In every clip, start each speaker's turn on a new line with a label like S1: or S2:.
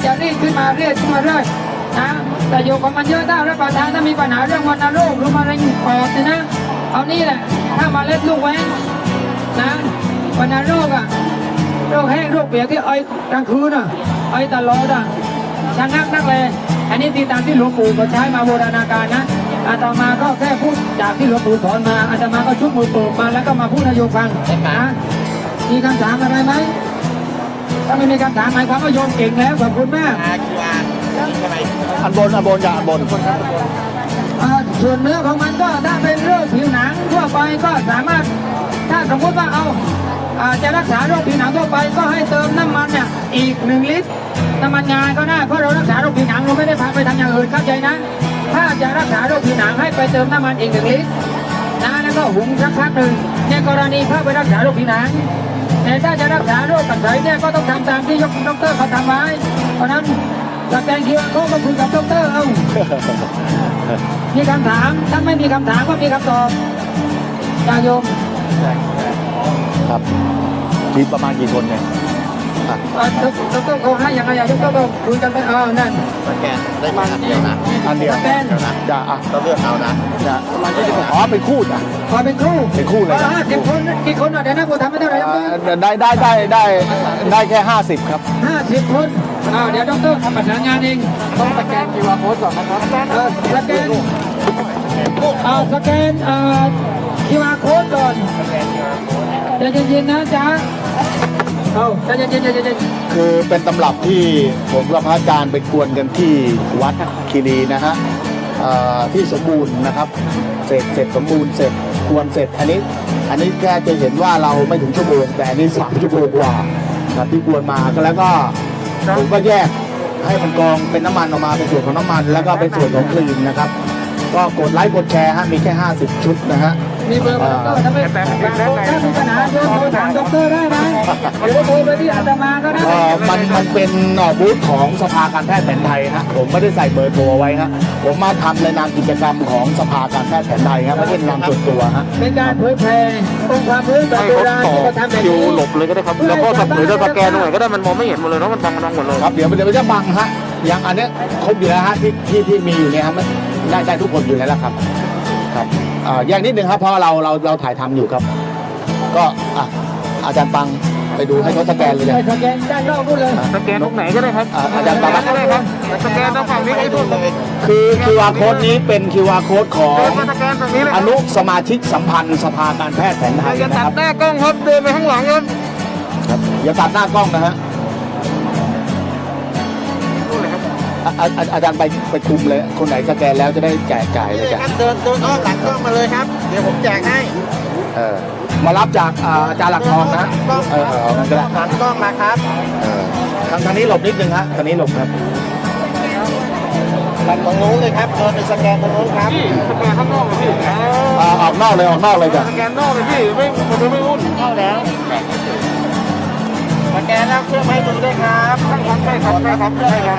S1: จะรีดขึ้นมาเรื่อยนะแต่อยู่ของมันเยอะถ้ารับประทานถ้ามีปัญหาเรื่องวัณโรคหรือมะเร็งปอดนะเอานี่แหละถ้ามาเล็ดลูกแว้งนะวัณโรคอะโรคแห้งโรคเปียกที่ไอกลางคืนอะไอตลอดอะชะงักนักเลยอันนี้ที่ตามที่หลวงปู่ก็ใช้มาโบราณกาลนะอาตมาก็แค่พูดจากที่หลวงปู่สอนมาอาตมาก็ชุบมือปลูกมาแล้วก็มาพูดให้โยมฟังนะมีคำถามอะไรไหมถ้าไม่มีคำถามหมายความว่าโยมเก่งแล้วขอบคุณมาก
S2: อันบนอย่าอันบน
S1: ส่วนเนื้อของมันก็ถ้าเป็นโรคผิวหนังทั่วไปก็สามารถถ้าสมมติว่าเอาจะรักษาโรคผิวหนังทั่วไปก็ให้เติมน้ำมันเนี่ยอีก1 ลิตรน้ำมันงาก็ได้เพราะเรารักษาโรคผิวหนังเราไม่ได้พาไปทำอย่างอื่นเข้าใจนะถ้าจะรักษาโรคผิวหนังให้ไปเติมน้ำมันอีก1 ลิตรนะแล้วก็หุงสักพักหนึ่งในกรณีพาไปรักษาโรคผิวหนังแต่ถ้าจะรักษาโรคกระไสเนี่ยก็ต้องทำตามที่ดร.เขาทำไว้เพราะนั้นสแกนคิวอาร์โค้ดมาคุยกับดร.เอามีคำถามถ้าไม่มีคำถามก็มีคำตอบจากโยม
S2: ครับทีมประมาณกี่คนเนี่ย
S1: ดร.เขาให้ยังไงดร.ก็คุยกันไปนั่น
S3: สแกนได้มาอันเดียวนะ
S1: สแกน
S2: จะ
S3: ต้องเลือกเอานะ
S2: ประมาณเป็นคู่จ้ะ
S1: เป็นคู่
S2: เลย
S1: 50 คนกี่คนเดี๋ยวนะกูทำไม่เท่าไหร่
S2: ได้แค่50ครับ
S1: 50 คนเดี๋ยวดร.ทำประสานงานเองต้องสแกน QR code ก่อนนะครับสแกนQR code ก่อนใจเย็นๆนะจ๊ะใจเย็น
S2: คือเป็นตำรับที่ผมกับพระอาจารย์ไปกวนกันที่วัดคีรีนะฮะที่สมบูรณ์นะครับเสร็จสมบูรณ์เสร็จกวนเสร็จอันนี้แค่จะเห็นว่าเราไม่ถึงชั่วโมงแต่อันนี้3 ชั่วโมงกว่าครับที่กวนมาก็แล้วก็ผมก็แยกให้มันกองเป็นน้ำมันออกมาเป็นส่วนของน้ำมันแล้วก็เป็นส่วนของครีมนะครับก็กดไลค์กดแชร์ฮะมีแค่50 ชุดนะฮะ
S1: มีเบอร์ถ้ามีปัญหาโทรถามดร.ได้นะหรือว่าโทรไปที่อาตมาก็ได้
S2: มันเป็นบูธของสภาการแพทย์แผนไทยฮะผมไม่ได้ใส่เบอร์โทรไว้ฮะผมมาทำในนามกิจกรรมของสภาการแพทย์แผนไทยครับไม่ใช่นามส่วนตัวฮะ
S1: เป็นการเผยแพร่องค์ความรู้แบบโบราณที่เขาทำแบบนี้
S3: หลบเลยก็ได้ครับแล้วก็หรือจะสแกนตรงไหนก็ได้มันมองไม่เห็นหมดเลยเนาะมันบังหมดเลย
S2: ครับเดี๋ยวมันจะบังฮะอย่างอันนี้ครบอยู่แล้วฮะที่มีอยู่เนี่ยครับได้ทุกคนอยู่แล้วครับแยกนิดนึงครับเพราะเราถ่ายทำอยู่ครับก็อาจารย์ปังไปดูให้เขาสแกนเลย
S1: สแกนด้านนอกพูดเลย
S3: สแกนตรงไหนก็ได้ครับ
S2: อาจารย์ปัง
S3: ก็ได้ครับสแกนตรงฝั่งนี้ให้ทุกเลย
S2: คือ QR code นี้เป็น QR code ของอนุสมาชิกสัมพันธ์สภาการแพทย์แผนไทย
S3: อย่าตัดหน้ากล้องครับเดินไปข้างหลังครับ
S2: อย่าตัดหน้ากล้องนะฮะอาจารย์ไปคุมเลยคนไหนสแกนแล้วจะได้จ่ายเลยจ้ะ
S3: เดินอ้อมหลังกล้องมาเลยครับเดี๋ยวผมแจกให้
S2: มารับจากอาจารย์หลักทองนะ
S3: งั้นก็ได้หันกล้องมาครับ
S2: ทางนี้หลบนิดนึงฮะทางนี้หลบครับ
S3: ตรงนู้นเลยครับเดินไปสแกนตรงนู้นครับ
S1: สแกนข้างนอกเลยพี่
S2: ออกนอกเลยจ้ะ
S1: สแกนนอกเลยพี่ไม่วุ่น
S3: เข้าแล้วสแกนแล้วเครื่องไม้มือด้วยครับใช่ครับเพิ่มเลยครับ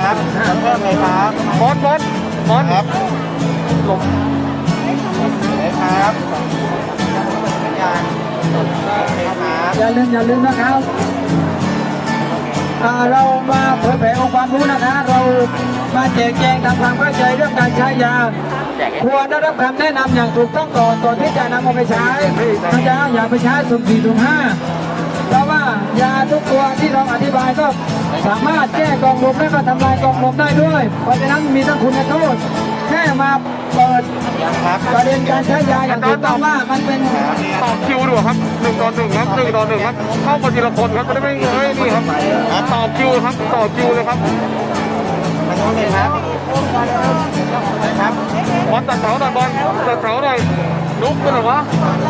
S3: มดครับหลบเลยครับ
S1: อย่าลืมนะครับเรามาเผยแผ่องค์ความรู้นะคะเรามาแจกแจงทำความเข้าใจเรื่องการใช้ยาควรได้รับคำแนะนำอย่างถูกต้องก่อนที่จะนำเอาไปใช้นะจ๊ะอย่าไปใช้สุ่ม 4 สุ่ม 5เพราะว่ายาทุกตัวที่เราอธิบายก็สามารถแก้กองลมและก็ทำลายกองลมได้ด้วยเพราะฉะนั้นมีทั้งคุณและโทษแค่มาเปิดประเด็นการใช้ยาอย่างถูกต้องว่ามันเป็น
S3: ต่อคิวดูครับ1 ต่อ 1ครับ1 ต่อ 1ครับเข้ามาทีละคนครับจะได้ไม่นี่ครับต่อคิวครับต่อคิวเลยครับมาโน้นเลยครับบอลตัดเสาหน่อยบอลตัดเสาหน่อยลุกไปหน่อยวะ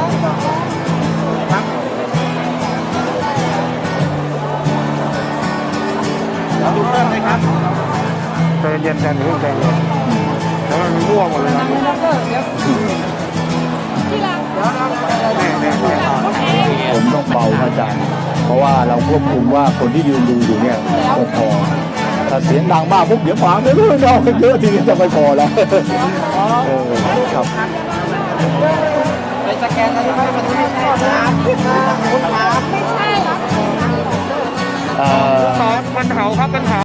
S3: ดูเพิ่มเลยครับใจเย็นใจเย็นแล้วมันร่วงหมดเลยครับ
S2: ผมต้องเบาอาจารย์เพราะว่าเราควบคุมว่าคนที่ยืนดูอยู่เนี่ยพอถ้าเสียงดังมากปุ๊บเดี๋ยวฟังไม่รู้เราเยอะทีนี้จะไม่พอแล้วครับ
S3: ไปสแกนอะไรไปมันไม่ใช่ครับไม่ใช่หรอปัญหาครับปัญหา